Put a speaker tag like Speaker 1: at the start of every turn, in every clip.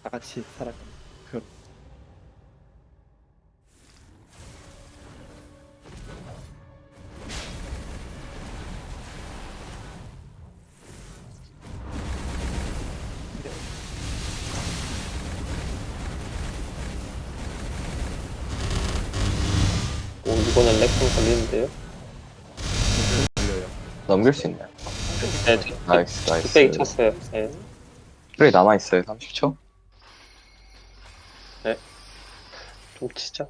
Speaker 1: 다 같이 살아가는 그런.
Speaker 2: 오, 이거는 렉좀 걸리는데요?
Speaker 1: 걸려요.
Speaker 3: 넘길 수 있나요?
Speaker 2: 네,
Speaker 3: 나이스, 나이스.
Speaker 2: 뚝배기 쳤어요. 네.
Speaker 3: 프레이 남아있어요, 30초?
Speaker 2: 좀 치자.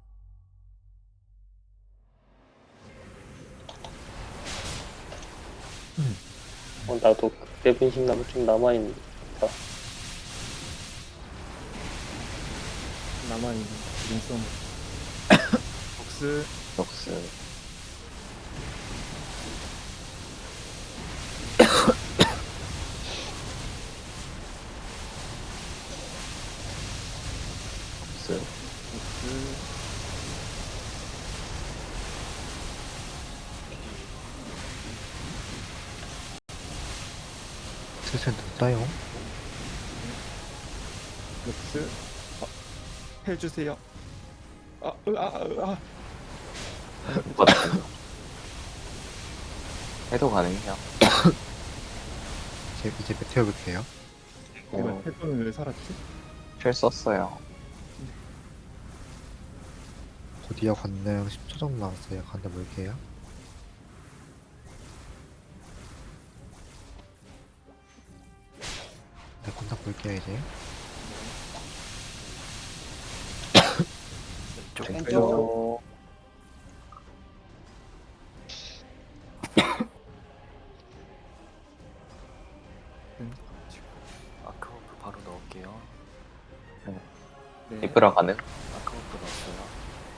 Speaker 2: 나도 그때 분식 나무 좀 남아있는 다
Speaker 1: 남아있는 눈썹. 복스.
Speaker 3: 녹스. 녹스.
Speaker 1: 복스.
Speaker 4: 슬슬 늦어요.
Speaker 1: 녹스. 해주세요.
Speaker 3: 맞다. 해도 가능해요.
Speaker 4: 이제 메테오 볼게요.
Speaker 1: 이거 패턴은 왜 살았지?
Speaker 3: 쉘 썼어요.
Speaker 4: 곧이어 건능 10초 정도 남았어요. 건능 볼게요. 네, 건능 볼게요 이제.
Speaker 3: 왼쪽.
Speaker 5: 아크워프 바로 넣을게요.
Speaker 1: 네.
Speaker 3: 이브라 가능?
Speaker 5: 아크워프 넣었어요.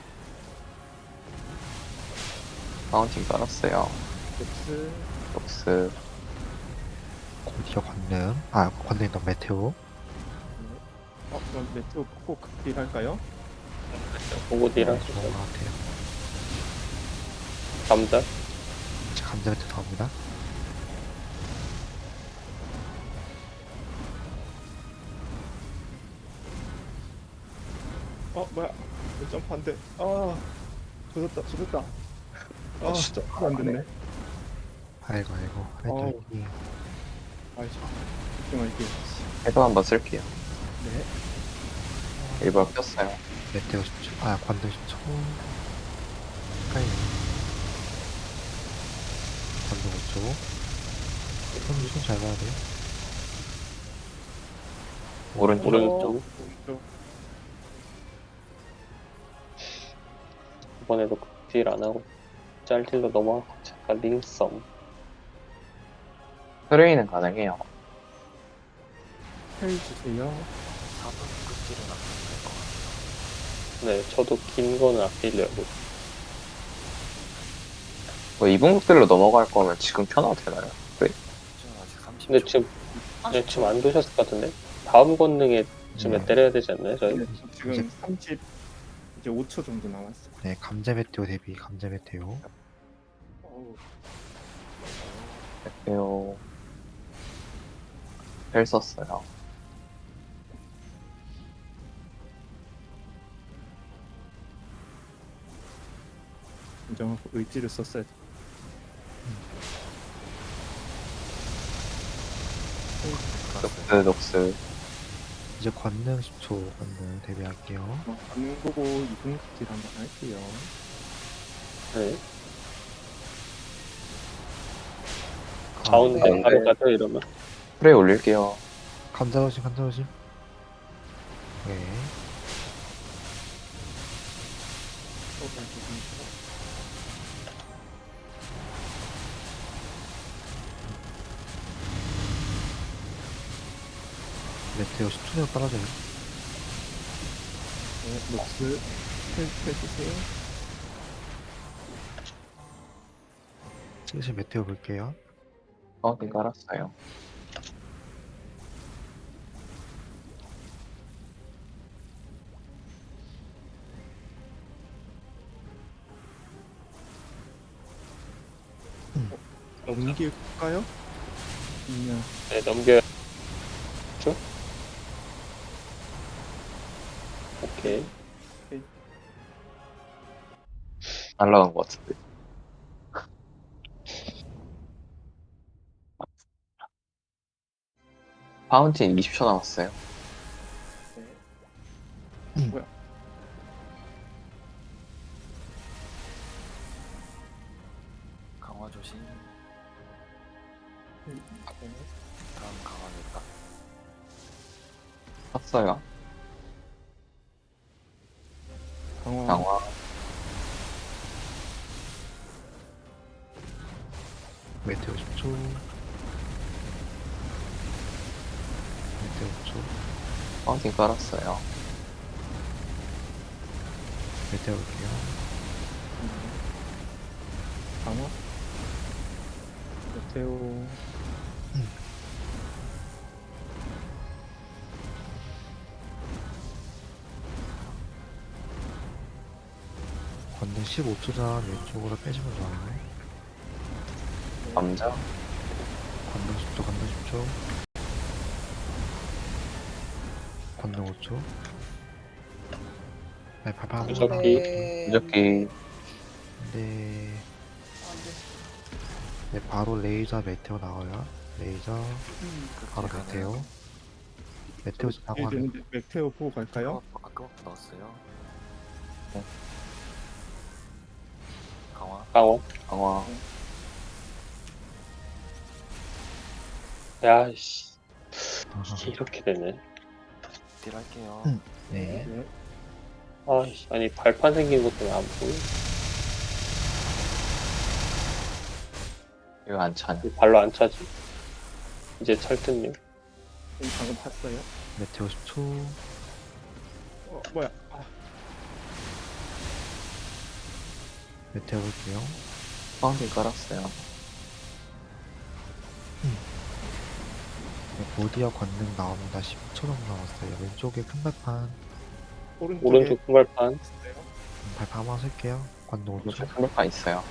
Speaker 3: 파운틴 깔았어요.
Speaker 1: 녹스.
Speaker 3: 녹스.
Speaker 4: 곧이어 건능. 건능이 너무 메테오.
Speaker 1: 그럼 메테오 꼭 극딜 할까요?
Speaker 2: 보고디랑
Speaker 4: 네, 좋은 것 같아요.
Speaker 2: 감자.
Speaker 4: 이제 감자 메테오 나옵니다.
Speaker 1: 뭐야? 왜 점프 안 돼? 조졌다.
Speaker 3: 진짜
Speaker 1: 점프 안 됐네.
Speaker 4: 아이고
Speaker 1: 어우.
Speaker 4: 하이트이
Speaker 1: 아이씨. 집중할게요.
Speaker 3: 해도 한번 쓸게요.
Speaker 1: 네.
Speaker 3: 일부러 꼈어요.
Speaker 4: 메테오 10초. 건능 10초. 가까이. 건능 5초. 손잘 봐야 돼요.
Speaker 3: 오른쪽.
Speaker 2: 오른쪽. 이번에도 극딜 안 하고 짤딜로 넘어가고 잠깐 링썸.
Speaker 3: 프레이는 가능해요.
Speaker 1: 해주세요.
Speaker 5: 4분 끝질은 아끼면 될 것 같아요.
Speaker 2: 네, 저도 긴 거는 아끼려고.
Speaker 3: 뭐 이분국들로 넘어갈 거면 지금 켜놔도 되나요? 프레이?
Speaker 5: 지금 아직 30초.
Speaker 2: 근데 지금 안 도셨을 것 같은데? 다음 권능에 쯤에
Speaker 4: 네.
Speaker 2: 때려야 되지 않나요, 저희?
Speaker 1: 네, 지금 30 이제 5초 정도 남았어.
Speaker 4: 네, 감자 메테오 대비 감자 메테오.
Speaker 1: 어우,
Speaker 3: 메테오. 쉘 썼어요.
Speaker 1: 인정하고 의지를 썼어야 돼.
Speaker 3: 녹스, 녹스.
Speaker 4: 이제 권능 10초 권능 대비할게요.
Speaker 1: 반응 보고 2분 극딜 한번 할게요.
Speaker 2: 네. 가운데
Speaker 3: 네.
Speaker 2: 바로 가죠, 이러면.
Speaker 3: 프레이 올릴게요.
Speaker 4: 감자 조심. 네. 메테오 10초 내로 떨어져요.
Speaker 1: 네, 녹스 해주세요.
Speaker 4: 슬슬 메테오 볼게요.
Speaker 3: 파운틴 깔았어요.
Speaker 1: 넘길까요? 아니면
Speaker 2: 네, 넘겨요. 오케이.
Speaker 3: 날라간 것 같은데. 파운틴 20초 남았어요.
Speaker 1: 네. 뭐야?
Speaker 5: 강화 조심.
Speaker 1: 네.
Speaker 5: 다음 강화겠다.
Speaker 3: 샀어요.
Speaker 1: 강화.
Speaker 3: 강화.
Speaker 4: 메테오 10초. 메테오 5초.
Speaker 3: 파운틴 깔았어요.
Speaker 4: 메테오 올게요.
Speaker 1: 강화. 메테오.
Speaker 4: 건능 15초 전 왼쪽으로 빼시면 좋아요.
Speaker 3: 남자.
Speaker 4: 건능 10초, 건능 10초. 건능 5초. 네, 발판
Speaker 2: 무적기.
Speaker 3: 무적기.
Speaker 4: 네. 네, 바로 레이저 메테오 나와요. 레이저, 바로
Speaker 5: 극딜
Speaker 4: 메테오.
Speaker 5: 가네요.
Speaker 4: 메테오 나고 하면
Speaker 1: 되는데 메테오 보고 갈까요?
Speaker 5: 아까부터 넣었어요.
Speaker 3: 네.
Speaker 5: 강화.
Speaker 2: 강화.
Speaker 3: 강화.
Speaker 2: 야, 씨. 이게 이렇게 되네.
Speaker 5: 딜 할게요.
Speaker 4: 네.
Speaker 1: 네.
Speaker 2: 아이씨, 아니, 발판 생긴 것도 왜 안 보여?
Speaker 3: 이거 안 차네.
Speaker 2: 발로 안 차지. 이제 찰트님.
Speaker 1: 방금 봤어요.
Speaker 4: 메테오 10초.
Speaker 1: 뭐야? 아,
Speaker 4: 메테오 볼게요.
Speaker 3: 파운틴 깔았어요.
Speaker 4: 네, 보디어 건능 나옵니다. 10초 정도 남았어요. 왼쪽에 큰 발판.
Speaker 1: 오른쪽에
Speaker 2: 오른쪽 큰 발판.
Speaker 1: 있어요.
Speaker 4: 발판 한번 쓸게요. 건능 5초.
Speaker 3: 무적 한발판 있어요.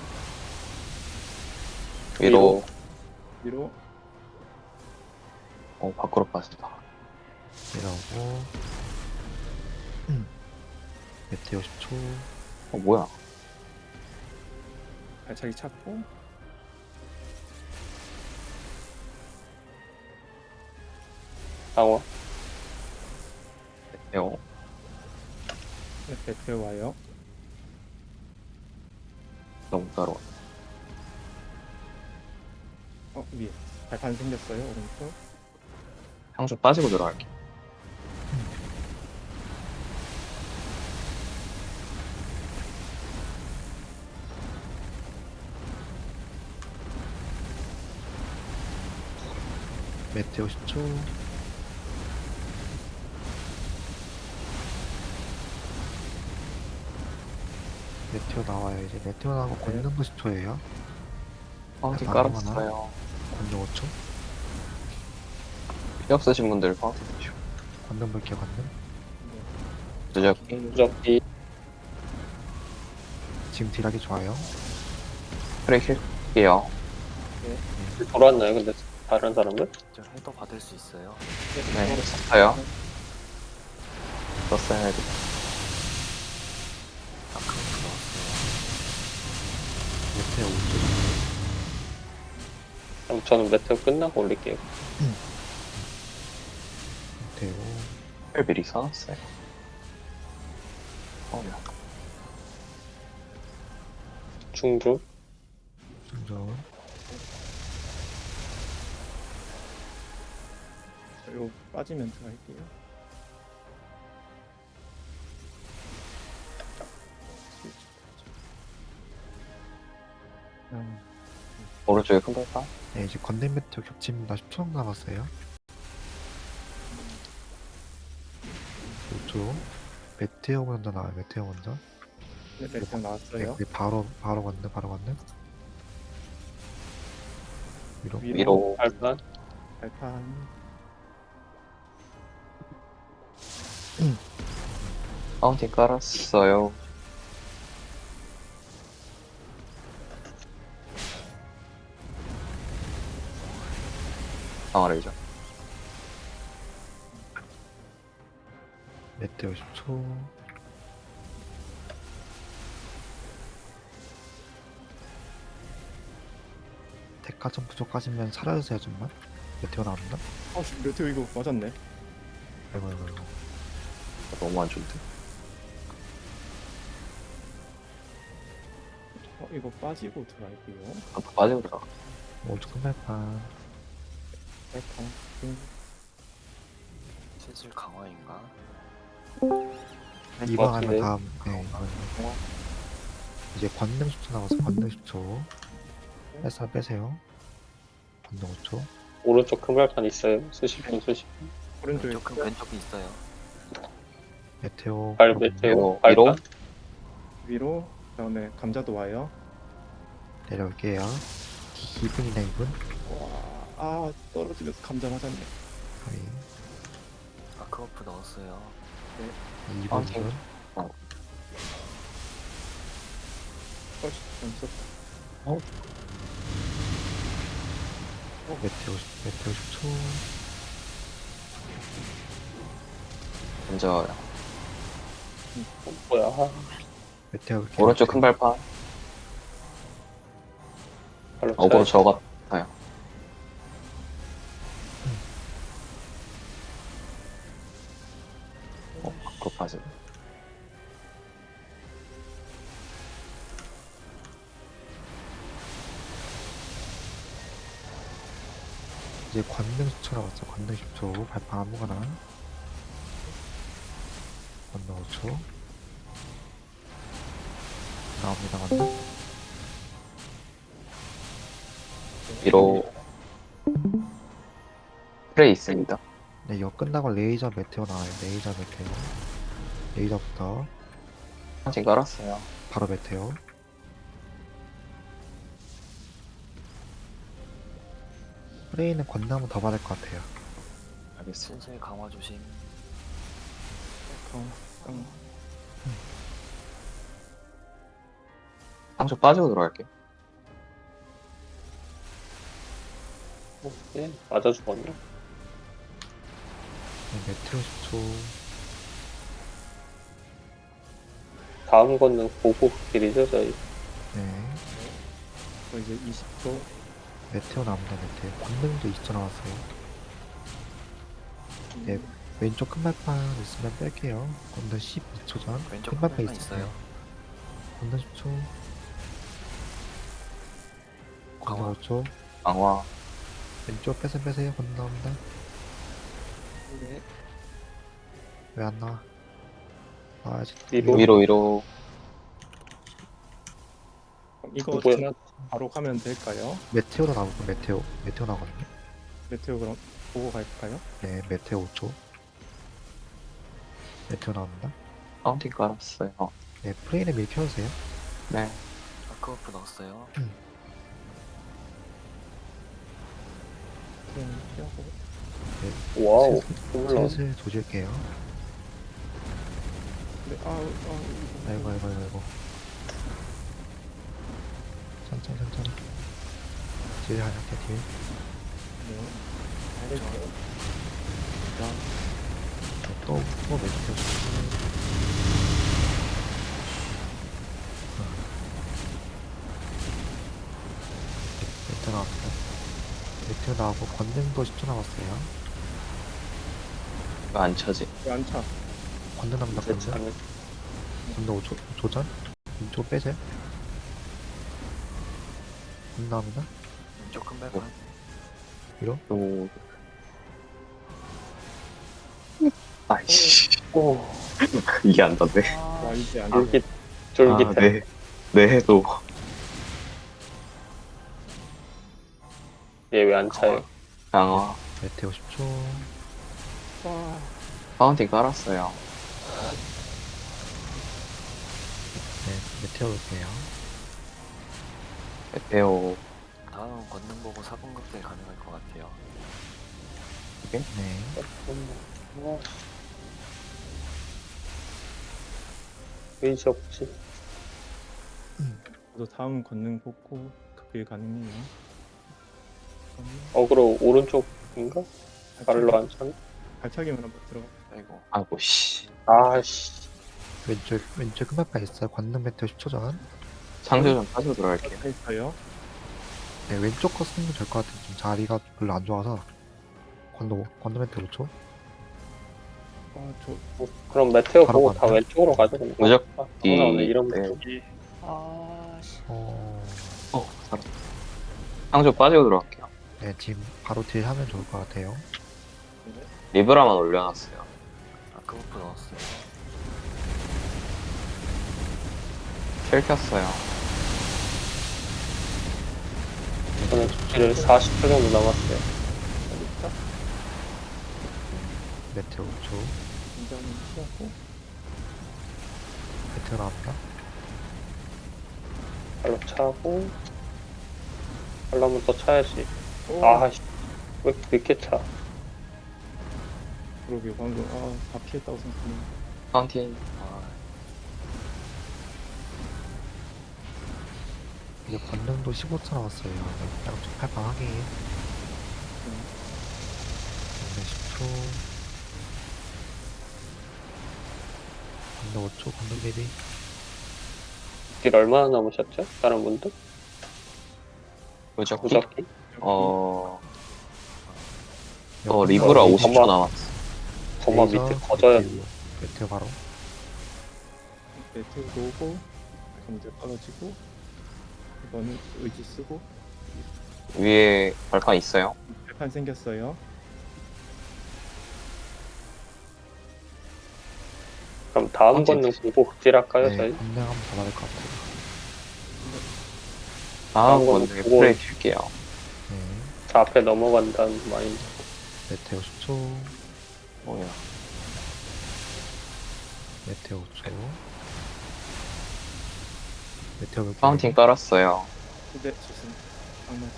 Speaker 3: 위로.
Speaker 1: 위로.
Speaker 3: 밖으로 빠진다.
Speaker 4: 내려오고. 메테오 10초.
Speaker 3: 뭐야?
Speaker 1: 발차기 찾고.
Speaker 2: 강화.
Speaker 3: 메테오.
Speaker 1: 네, 메테오 와요.
Speaker 3: 너무 따로.
Speaker 1: 위에. 발판 생겼어요. 오른쪽.
Speaker 3: 향수 빠지고 들어갈게.
Speaker 4: 메테오 10초. 메테오 나와요. 이제 메테오 나오고 건능도 10초예요.
Speaker 3: 파운틴
Speaker 4: 발판
Speaker 3: 깔았어요.
Speaker 4: 건능 5초.
Speaker 3: 필요 없으신 분들 파운틴 드시고.
Speaker 4: 건능 볼게요. 건능.
Speaker 3: 무적기.
Speaker 2: 무적기.
Speaker 4: 지금 딜하기 좋아요.
Speaker 3: 프레이 킬게요.
Speaker 2: 돌아왔나요, 근데 다른 사람들?
Speaker 5: 저 해도 받을 수 있어요.
Speaker 3: 네, 썼어요. 썼어요, 해도.
Speaker 5: 아까부터 넣었어요.
Speaker 4: 메테오 5초.
Speaker 2: 그럼 저는 메테오 끝나고 올릴게요.
Speaker 4: 메테오.
Speaker 3: 를 미리 써놨어요.
Speaker 2: 중주.
Speaker 4: 충전.
Speaker 1: 요 빠지면 들어갈게요.
Speaker 3: 오른쪽에 큰 발판.
Speaker 4: 네, 이제 건능 메테오 겹칩니다. 10초 정도 남았어요. 5초. 메테오 먼저 나와요. 메테오 먼저.
Speaker 1: 네, 메테오
Speaker 4: 네,
Speaker 1: 나왔어요.
Speaker 4: 네, 바로 건능, 바로 건능. 위로.
Speaker 3: 위로.
Speaker 2: 발판.
Speaker 1: 발판.
Speaker 3: 파운틴 깔았어요. 강화레이저.
Speaker 4: 메테오 10초. 가점 부족하시면 사라지세요 좀만. 메테오 나옵니다.
Speaker 1: 아씨 메테오 이거 맞았네.
Speaker 4: 아이고 아이고 아이고.
Speaker 3: 너무 안 좋은데.
Speaker 1: 이거 빠지고 들어갈게요.
Speaker 3: 아까 빠지고 들어가.
Speaker 4: 오른쪽 끝날판.
Speaker 1: 빨판.
Speaker 5: 슬슬 강화인가?
Speaker 4: 이번
Speaker 2: 같은데?
Speaker 4: 하면 다음. 네 이번. 이제 권능 10초 남았어. 권능 10초. 빼세요. 권능 5초.
Speaker 2: 오른쪽 큰 발판 있어요. 수십 분 수십 분.
Speaker 1: 오른쪽에
Speaker 5: 왼쪽에 있어요.
Speaker 4: 메테오.
Speaker 2: 발
Speaker 4: 거든요.
Speaker 2: 메테오
Speaker 3: 위로?
Speaker 2: 발판.
Speaker 1: 위로 그다음에 감자도 와요.
Speaker 4: 내려올게요. 2분이나 2분.
Speaker 1: 아 떨어지면서 감자 맞았네.
Speaker 4: 거의
Speaker 5: 아크워프 넣었어요.
Speaker 4: 2분
Speaker 3: 아,
Speaker 4: 2분.
Speaker 1: 훨씬 좀 썼다.
Speaker 4: 메테오 10초.
Speaker 3: 먼저
Speaker 2: 뭐야?
Speaker 4: 메테오 이렇게
Speaker 3: 오른쪽 큰 발판.
Speaker 2: 발로
Speaker 3: 어그로
Speaker 2: 쳐야지.
Speaker 3: 저 같아요. 밖으로 빠지네.
Speaker 4: 이제 권능 10초 남았어. 권능 10초. 발판 아무거나. 권능 5초. 나옵니다. 권능.
Speaker 3: 위로 프레이 있습니다.
Speaker 4: 네, 이거 끝나고 레이저 메테오 나와요. 레이저 메테오. 레이저부터
Speaker 3: 한층 깔았어요.
Speaker 4: 바로 메테오. 프레이는 권능 한번 더 받을 것 같아요.
Speaker 3: 알겠습니다.
Speaker 5: 슬슬 강화 조심.
Speaker 1: 깡.
Speaker 3: 상처 빠지고 들어갈게요.
Speaker 2: 예, 맞아 죽었네.
Speaker 4: 네, 메테오 10초.
Speaker 2: 다음 거는 보고 길이죠 저희.
Speaker 4: 네.
Speaker 1: 이제 20초.
Speaker 4: 메테오 나옵니다. 메테오. 권능도 20초 나왔어요. 네. 왼쪽 큰 발판 있으면 뺄게요. 권능 12초 전.
Speaker 5: 왼쪽
Speaker 4: 큰 발판
Speaker 5: 발판
Speaker 4: 있어요.
Speaker 5: 있어요.
Speaker 4: 권능 10초. 권능
Speaker 5: 강화.
Speaker 4: 5초.
Speaker 3: 강화.
Speaker 4: 왼쪽 빼세요. 권능 나옵니다.
Speaker 1: 네.
Speaker 4: 왜 안 나와? 나와야지.
Speaker 2: 위로?
Speaker 3: 위로.
Speaker 1: 이거
Speaker 2: 뭐야?
Speaker 1: 지나 바로 가면 될까요?
Speaker 4: 메테오로 나오고 메테오 나오거든요.
Speaker 1: 메테오 그럼 보고 갈까요?
Speaker 4: 네, 메테오 5초. 메테오 나옵니다.
Speaker 3: 파운틴 깔았어요.
Speaker 4: 네, 프레이는 밀 켜주세요.
Speaker 3: 네.
Speaker 5: 아크워프 넣었어요.
Speaker 1: 그럼 피하고.
Speaker 2: 와우. 몰라.
Speaker 4: 슬슬 조질게요.
Speaker 1: 네.
Speaker 4: 아이고. 천천히. 딜 하나 게 딜.
Speaker 1: 네.
Speaker 4: 또 메테오. 메테오 나왔다. 메테오 나오고 권능도 10초 남았어요.
Speaker 3: 이거 안 쳐지.
Speaker 1: 왜안 차?
Speaker 4: 권능 남다.
Speaker 2: 대체
Speaker 4: 권능.
Speaker 2: 하면
Speaker 4: 권능 5초 전. 왼쪽 빼세요. 권능 나옵니다.
Speaker 5: 왼쪽 큰 발판.
Speaker 4: 위로.
Speaker 3: 또. 아이씨.
Speaker 2: 오.
Speaker 3: 이게 안 닿네.
Speaker 1: 와 이제 안
Speaker 2: 쫄깃
Speaker 1: 돼.
Speaker 2: 쫄깃해.
Speaker 3: 네. 네, 해도.
Speaker 2: 얘 왜 안 차요?
Speaker 3: 강화.
Speaker 4: 메테오 10초.
Speaker 1: 와.
Speaker 3: 파운틴 깔았어요.
Speaker 4: 네, 메테오 올게요.
Speaker 3: 메테오.
Speaker 5: 다음 권능 보고 4분 극대 가능할 것 같아요.
Speaker 4: 네.
Speaker 2: 의지 없지.
Speaker 1: 저도 다음 권능 복구 그게 가능해요.
Speaker 2: 어그로 오른쪽인가? 발로 안 차네.
Speaker 1: 발차기만 한번 들어가.
Speaker 5: 아이고.
Speaker 3: 아이고, 씨.
Speaker 2: 아씨.
Speaker 4: 왼쪽 끝맛바 있어요. 권능 메테오 10초 전.
Speaker 3: 상조 좀 빠지고 들어갈게요.
Speaker 1: 있어요.
Speaker 4: 네, 왼쪽 거 쓰면 될 것 같아요. 좀 자리가 별로 안 좋아서. 건너멘트 5초.
Speaker 1: 저
Speaker 2: 그럼 메테오
Speaker 4: 바로
Speaker 2: 보고 다
Speaker 4: 간다.
Speaker 2: 왼쪽으로 가죠. 그냥.
Speaker 3: 무적
Speaker 2: 아, 나오네. 이런
Speaker 3: 네.
Speaker 2: 쪽이. 아씨.
Speaker 3: 살아. 상조 빠지고 들어갈게요.
Speaker 4: 네, 지금 바로 딜 하면 좋을 것 같아요.
Speaker 3: 리브라만 올려놨어요.
Speaker 5: 아크버프 넣었어요.
Speaker 3: 킬 켰어요.
Speaker 2: 저는 딜을 40초 정도 남았어요.
Speaker 4: 메테오 5초.
Speaker 1: 굉장히 피하고
Speaker 4: 메테오 나옵니다.
Speaker 2: 발로 차고. 발로 한번 더 차야지.
Speaker 1: 오,
Speaker 2: 아씨. 왜 이렇게 차?
Speaker 1: 그러게 방금 다 피했다고 생각했는데.
Speaker 3: 파운틴.
Speaker 5: 아,
Speaker 4: 이제 권능도 15초 남았어요. 네, 약간 좀 팔방하게. 권능 10초. 권능 5초. 권능 대비.
Speaker 2: 딜 얼마나 남으셨죠? 다른 분들?
Speaker 3: 무적.
Speaker 2: 무적기?
Speaker 3: 리브라
Speaker 4: 여기
Speaker 3: 50초 남았어.
Speaker 2: 거마
Speaker 4: 레이저,
Speaker 2: 밑에 거져야 돼.
Speaker 4: 메테오 바로.
Speaker 1: 메테오도 오고 감자 떨어지고 이거는 의지 쓰고
Speaker 3: 위에 발판 있어요.
Speaker 1: 발판 생겼어요.
Speaker 2: 그럼 다음
Speaker 3: 언제
Speaker 2: 권능 보고 극딜 할까요,
Speaker 4: 네,
Speaker 2: 저희?
Speaker 4: 권능 한번 더 받을 것 같아요.
Speaker 3: 다음
Speaker 2: 거는
Speaker 3: 건에
Speaker 2: 보고-
Speaker 3: 프레이 킬게요.
Speaker 4: 네,
Speaker 2: 저 앞에 넘어간다는 마인드.
Speaker 4: 메테오 10초.
Speaker 3: 뭐야.
Speaker 4: 메테오 5초. 메테오 몇 개?
Speaker 3: 파운틴 깔았어요.
Speaker 1: 근데 죄송. 악마다.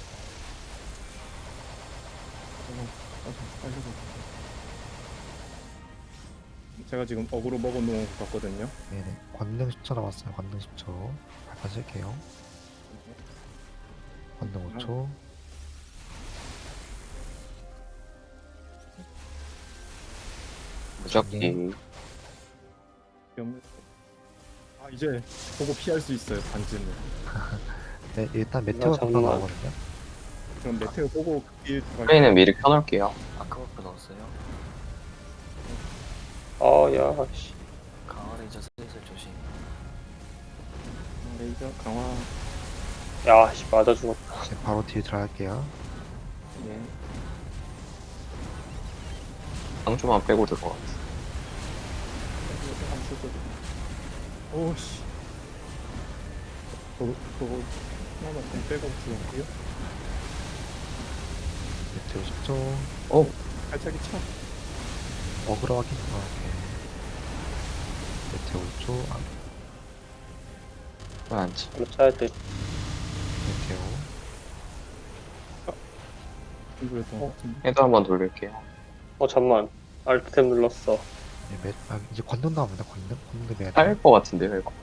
Speaker 1: 빨리. 제가 지금 어그로 먹어놓은 것 같거든요.
Speaker 4: 네네. 권능 10초 남았어요. 권능 10초. 발판 쓸게요. 권능 5초.
Speaker 3: 무적기.
Speaker 1: 이제 보고 피할 수 있어요. 반지는.
Speaker 4: 네, 일단 메테오
Speaker 2: 장난.
Speaker 4: 금방 나오거든요.
Speaker 1: 그럼 메테오 보고 극딜 들어갈게요.
Speaker 3: 프레이는 미리 켜놓을게요.
Speaker 5: 아크버프 넣었어요.
Speaker 2: 야, 씨.
Speaker 5: 강화 레이저 슬슬 조심.
Speaker 1: 레이저 강화.
Speaker 2: 야, 씨, 맞아 죽었다.
Speaker 4: 네, 바로 딜 들어갈게요.
Speaker 1: 예.
Speaker 3: 상조만 빼고 들어갔어.
Speaker 1: 오씨. 저거 하나만 좀 빼고 들어갈게요.
Speaker 4: 메테오 10초.
Speaker 1: 발차기 차.
Speaker 4: 어그로 확인. 오케이. 메테오 5초.
Speaker 3: 왜 안지?
Speaker 2: 발로 차야 돼.
Speaker 4: 메테오.
Speaker 1: 이거였던 것 같은데.
Speaker 3: 헤드 한번 돌릴게요.
Speaker 2: 잠만. 알트템 눌렀어.
Speaker 4: 네, 이제 권능 나옵니다. 권능. 권능 대비
Speaker 3: 딸 것 같은데요, 이거?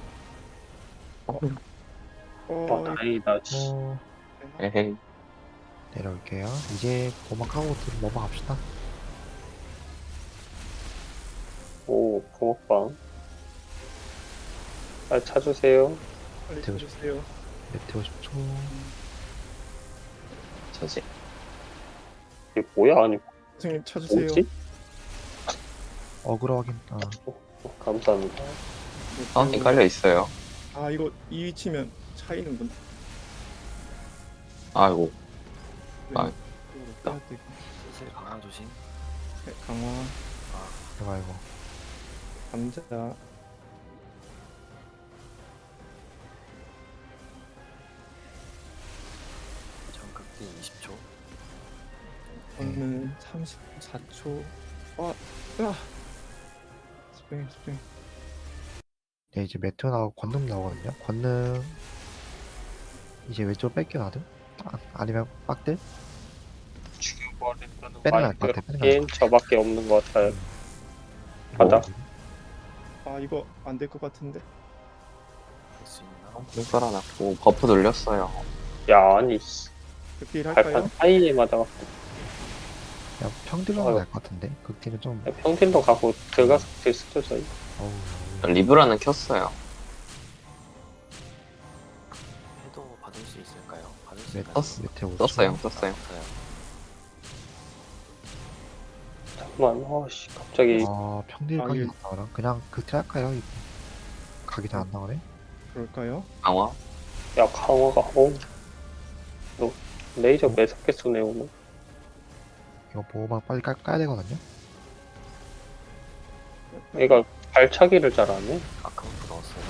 Speaker 2: 다행이다, 씨.
Speaker 3: 에헤이.
Speaker 4: 내려올게요. 이제 고막하고 넘어갑시다.
Speaker 2: 오, 붕어빵. 잘 차주세요.
Speaker 1: 빨리
Speaker 4: 되고
Speaker 1: 쳐주세요.
Speaker 4: 메테오 10초.
Speaker 3: 저지.
Speaker 2: 이게 뭐야? 아니,
Speaker 1: 선생님 쳐주세요.
Speaker 2: 뭐지?
Speaker 4: 어그로 확인.
Speaker 2: 감사합니다.
Speaker 3: 파운틴 깔려 있어요.
Speaker 1: 이거 이 위치면 차이는군.
Speaker 3: 아이고.
Speaker 1: 빼야 되고.
Speaker 5: 슬슬 강화 조심.
Speaker 1: 강화.
Speaker 4: 이거.
Speaker 1: 감자.
Speaker 5: 전극기 20초.
Speaker 1: 저는 34초. 스프링.
Speaker 4: 네, 이제 메테오 나오고 권능 나오거든요. 권능 이제 왼쪽으로 뺏겨놔도? 아니면 빡들?
Speaker 2: 죽여버린다는
Speaker 4: 빼는 날것 같아, 빼는
Speaker 2: 마인드인 저밖에 없는 것 같아요. 가자.
Speaker 1: 이거 안 될 것 같은데.
Speaker 5: 할 수 있나?
Speaker 3: 눈 깔아놨고, 버프 돌렸어요.
Speaker 2: 야, 아니, 씨.
Speaker 1: 극딜 할까요?
Speaker 2: 발판 사이에 맞아갖고.
Speaker 4: 그냥 평딜로
Speaker 2: 아유.
Speaker 4: 날것 같은데? 극딜은 좀
Speaker 2: 평딜도 가고 들어가서 딜 쓰죠, 저희.
Speaker 4: 어우.
Speaker 3: 리브라는 켰어요.
Speaker 5: 해도 받을 수 있을까요? 받을 수
Speaker 4: 메테오
Speaker 3: 떴어요.
Speaker 5: 떴어요.
Speaker 2: 잠깐만, 아씨, 갑자기.
Speaker 4: 아 평딜
Speaker 1: 아,
Speaker 4: 각이
Speaker 1: 예.
Speaker 4: 안 나오나? 그냥 극딜 할까요? 이거? 각이 잘 안 나오네?
Speaker 1: 그럴까요?
Speaker 3: 강화.
Speaker 2: 야, 강화가, 너 레이저 매섭게 쏘네, 오늘.
Speaker 4: 이거 보호막 빨리 까야 되거든요?
Speaker 2: 얘가 발차기를 잘 안 해.
Speaker 5: 아까부터 넣었어요.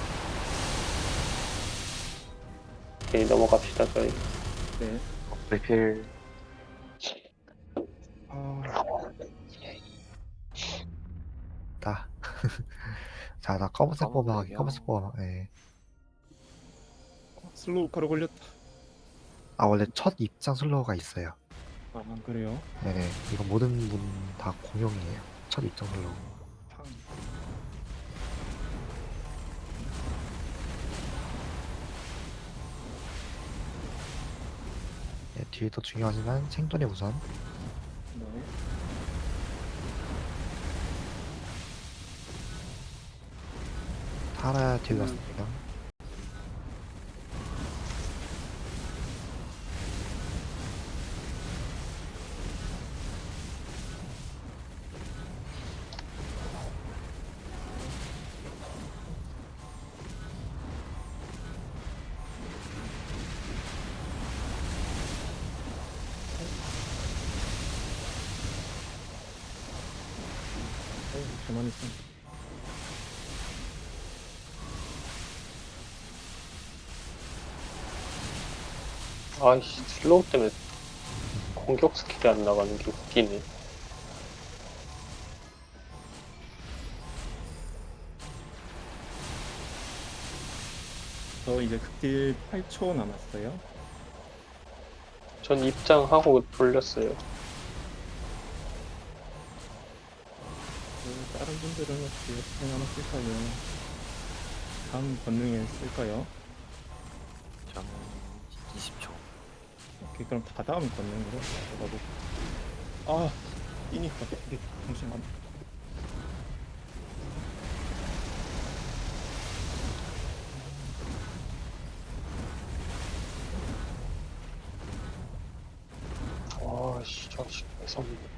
Speaker 2: 오케이, 넘어갑시다, 저희.
Speaker 1: 네.
Speaker 3: 리필.
Speaker 1: 아,
Speaker 4: 나. 자, 나 검은색
Speaker 5: 검은
Speaker 4: 보호막,
Speaker 5: 백이요?
Speaker 4: 검은색 보호막, 예.
Speaker 1: 슬로우 가루 걸렸다.
Speaker 4: 아, 원래 첫 입장 슬로우가 있어요.
Speaker 1: 아, 그래요?
Speaker 4: 네네. 이거 모든 분 다 공용이에요. 첫 입장 슬로우.
Speaker 1: 팡.
Speaker 4: 네, 뒤에도 중요하지만 생존이 우선.
Speaker 1: 네.
Speaker 4: 타라야 딜 났습니다.
Speaker 1: 저만 있어.
Speaker 2: 아이씨, 슬로우 때문에 공격 스킬이 안 나가는 게 웃기네.
Speaker 1: 저 이제 극딜 8초 남았어요.
Speaker 2: 전 입장하고 돌렸어요.
Speaker 1: 다른 분들은 어떻게 하나 쓸까요? 다음 권능에 쓸까요?
Speaker 5: 저는 20초.
Speaker 1: 오케이, 그럼 다 다음 권능으로 나도. 아, 이니까 이게 잠시만.
Speaker 2: 아씨, 저씨, 죄송합니다.